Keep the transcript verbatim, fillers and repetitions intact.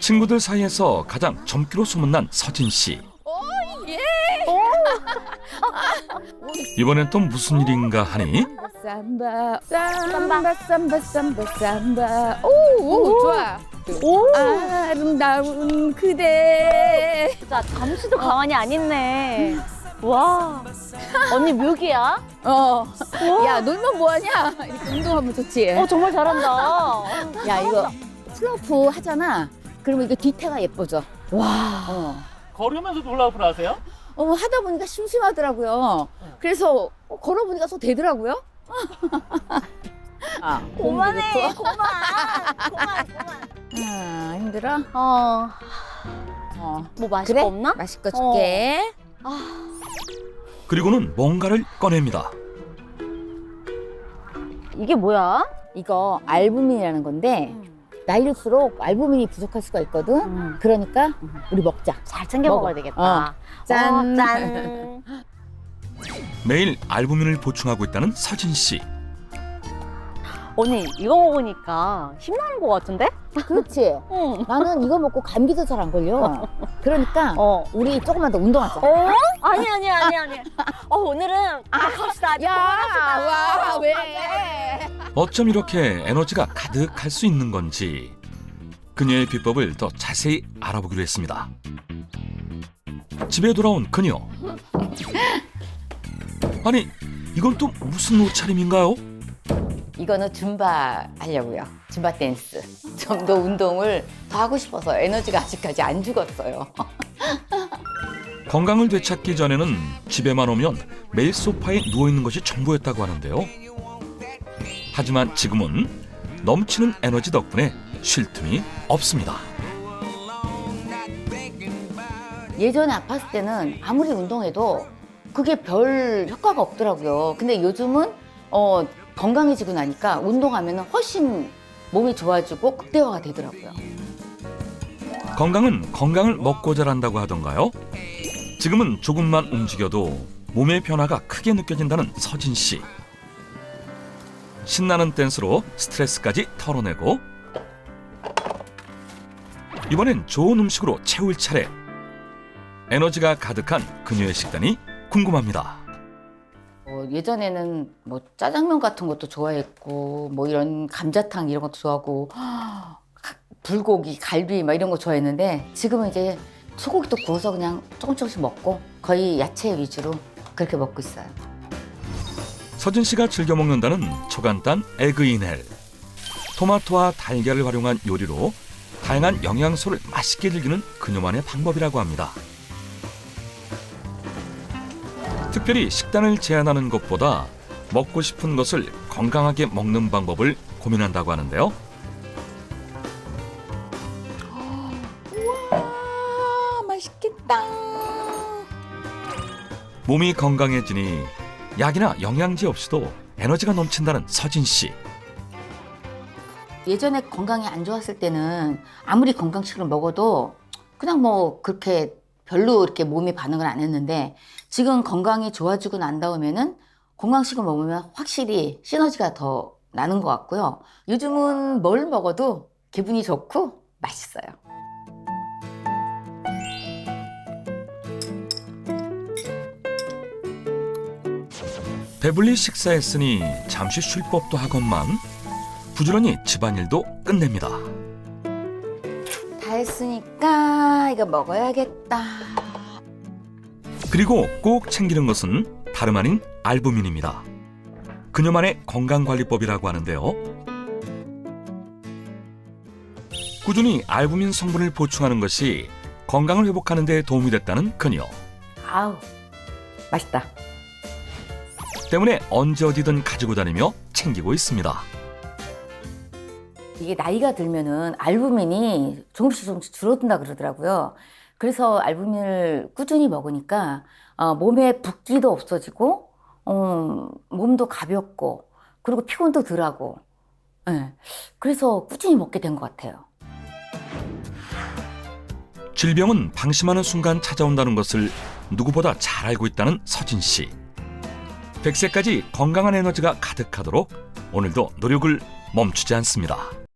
친구들 사이에서 가장 젊기로 소문난 서진 씨. 예. 이번엔 또 무슨 일인가 하니 삼바 삼바 삼바 삼바 삼바 오, 오 좋아. 오! 아름다운 그대. 진짜 잠시도 가만히 안 있네. 와, 언니 묘기야? 어. 야 놀면 뭐하냐? 이렇게 운동하면 좋지. 어, 정말 잘한다. 야 이거 슬로프 하잖아. 그러면 이거 뒤태가 예뻐져. 와, 어. 걸으면서 롤라우프를 하세요? 어 하다 보니까 심심하더라고요. 그래서 어, 걸어보니까 또 되더라고요. 아, 그만해, 그만, 그만, 그만. 아 힘들어? 어, 어. 뭐 마실 그래? 거 없나? 맛있거 줄게. 그리고는 뭔가를 꺼냅니다. 이게 뭐야? 이거 알부민이라는 건데 나이 들수록 알부민이 부족할 수가 있거든. 음. 그러니까 우리 먹자. 잘 챙겨 먹어. 먹어야 되겠다. 짠. 어, 짠. 매일 알부민을 보충하고 있다는 서진 씨. 언니, 이거 먹으니까 힘나는 것 같은데? 그렇지. 응. 나는 이거 먹고 감기도 잘 안 걸려. 그러니까 어. 우리 조금만 더 운동하자. 어? 아니, 아니, 아니, 아니. 어, 오늘은 아, 갑시다. 야, 와, 왜? 어쩜 이렇게 에너지가 가득할 수 있는 건지 그녀의 비법을 더 자세히 알아보기로 했습니다. 집에 돌아온 그녀. 아니, 이건 또 무슨 옷차림인가요? 이거는 줌바 하려고요. 줌바 댄스. 좀 더 운동을 더 하고 싶어서 에너지가 아직까지 안 죽었어요. 건강을 되찾기 전에는 집에만 오면 매일 소파에 누워있는 것이 전부였다고 하는데요. 하지만 지금은 넘치는 에너지 덕분에 쉴 틈이 없습니다. 예전에 아팠을 때는 아무리 운동해도 그게 별 효과가 없더라고요. 근데 요즘은 어, 건강해지고 나니까 운동하면 훨씬 몸이 좋아지고 극대화가 되더라고요. 건강은 건강을 먹고 자란다고 하던가요? 지금은 조금만 움직여도 몸의 변화가 크게 느껴진다는 서진 씨. 신나는 댄스로 스트레스까지 털어내고 이번엔 좋은 음식으로 채울 차례. 에너지가 가득한 그녀의 식단이 궁금합니다. 어, 예전에는 뭐 짜장면 같은 것도 좋아했고 뭐 이런 감자탕 이런 것도 좋아하고 불고기, 갈비 막 이런 거 좋아했는데 지금은 이제 소고기도 구워서 그냥 조금 조금씩 먹고 거의 야채 위주로 그렇게 먹고 있어요. 서진 씨가 즐겨 먹는다는 초간단 에그인헬. 토마토와 달걀을 활용한 요리로 다양한 영양소를 맛있게 즐기는 그녀만의 방법이라고 합니다. 특별히 식단을 제한하는 것보다 먹고 싶은 것을 건강하게 먹는 방법을 고민한다고 하는데요. 와, 맛있겠다. 몸이 건강해지니 약이나 영양제 없이도 에너지가 넘친다는 서진 씨. 예전에 건강이 안 좋았을 때는 아무리 건강식을 먹어도 그냥 뭐 그렇게 별로 이렇게 몸이 반응을 안 했는데 지금 건강이 좋아지고 난 다음에는 건강식을 먹으면 확실히 시너지가 더 나는 것 같고요. 요즘은 뭘 먹어도 기분이 좋고 맛있어요. 배불리 식사했으니 잠시 쉴 법도 하건만 부지런히 집안일도 끝냅니다. 다 했으니까 이거 먹어야겠다. 그리고 꼭 챙기는 것은 다름 아닌 알부민입니다. 그녀만의 건강관리법이라고 하는데요. 꾸준히 알부민 성분을 보충하는 것이 건강을 회복하는 데 도움이 됐다는 그녀. 아우, 맛있다. 때문에 언제 어디든 가지고 다니며 챙기고 있습니다. 이게 나이가 들면은 알부민이 조금씩 조금씩 줄어든다 그러더라고요. 그래서 알부민을 꾸준히 먹으니까 어, 몸에 붓기도 없어지고 어, 몸도 가볍고 그리고 피곤도 덜하고 네. 그래서 꾸준히 먹게 된 것 같아요. 질병은 방심하는 순간 찾아온다는 것을 누구보다 잘 알고 있다는 서진 씨. 백 세까지 건강한 에너지가 가득하도록 오늘도 노력을 멈추지 않습니다.